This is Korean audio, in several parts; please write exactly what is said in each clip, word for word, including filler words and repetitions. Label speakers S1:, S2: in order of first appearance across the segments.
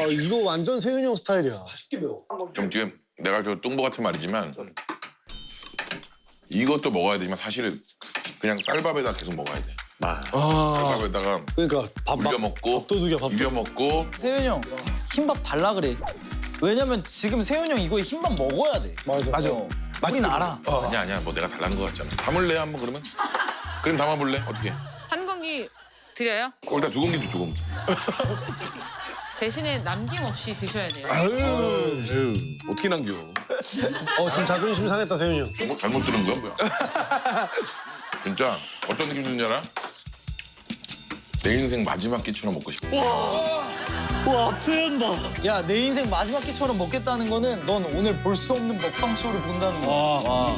S1: 이거 완전 세윤이 형 스타일이야.
S2: 좀 지금 내가 저 뚱보 같은 말이지만 이것도 먹어야 되지만 사실은 그냥 쌀밥에다 계속 먹어야 돼.
S1: 아.
S2: 쌀밥에다가
S1: 그러니까 밥
S2: 물려 먹고
S1: 밥도둑이야, 밥도둑.
S2: 비벼 먹고
S3: 세윤이 형 흰밥 달라 그래. 왜냐면 지금 세윤이 형 이거에 흰밥 먹어야 돼.
S1: 맞아.
S3: 맞아. 우린 알아.
S2: 아니야 아니야 뭐 내가 달라는 거 같잖아. 담을래 한번 그러면? 그럼 담아볼래? 어떻게?
S4: 한 공기 드려요?
S2: 일단 두 공기 줘, 두 공기.
S4: 대신에 남김없이 드셔야 돼요.
S2: 아유, 어떻게 남겨?
S1: 어 지금 자존심 상했다 세윤이 형.
S2: 뭐 잘못 들은 거야 뭐야? 진짜 어떤 느낌 드는지 알아? 내 인생 마지막 끼처럼 먹고 싶어.
S5: 와 표현 봐.
S3: 야, 내 인생 마지막 끼처럼 먹겠다는 거는 넌 오늘 볼 수 없는 먹방 쇼를 본다는 거야. 와.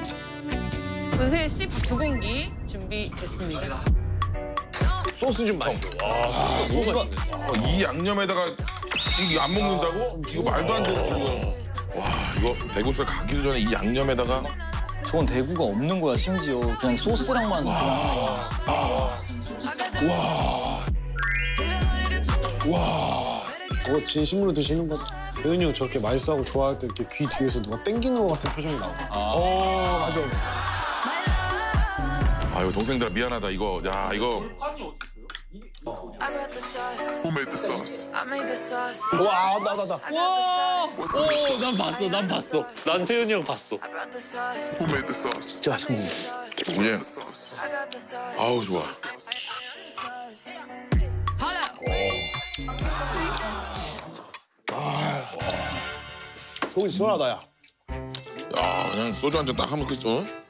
S4: 은세 씨 두 공기 준비됐습니다.
S1: 소스 좀 많이 줘.
S2: 아, 소스가 어, 이 양념에다가 이게 안 먹는다고? 이거 말도 안 되는 거. 와 이거 대구살 가기도 전에 이 양념에다가
S3: 저건 대구가 없는 거야, 심지어. 그냥 소스랑만 그냥 하는 거야.
S1: 저거 진심으로 드시는 거다. 세윤이 형 저렇게 맛있어하고 좋아할 때 이렇게 귀 뒤에서 누가 땡기는 것 같은 표정이 나와. 어 맞아.
S2: 아유 동생들아 미안하다 이거 야 이거
S6: I brought the sauce.
S2: Who made the sauce?
S6: I made the sauce.
S1: 와 나 나 나.
S3: 와!
S5: 오, 난 봤어, 난 봤어. 난 세윤이 형 봤어.
S6: I brought the sauce.
S2: Who made the sauce?
S5: 진짜 맛있네.
S2: 예.
S6: I got the sauce.
S2: 아우 좋아.
S1: 속이 시원하다 야.
S2: 야 그냥 소주 한 잔 딱 하면 끝. 어?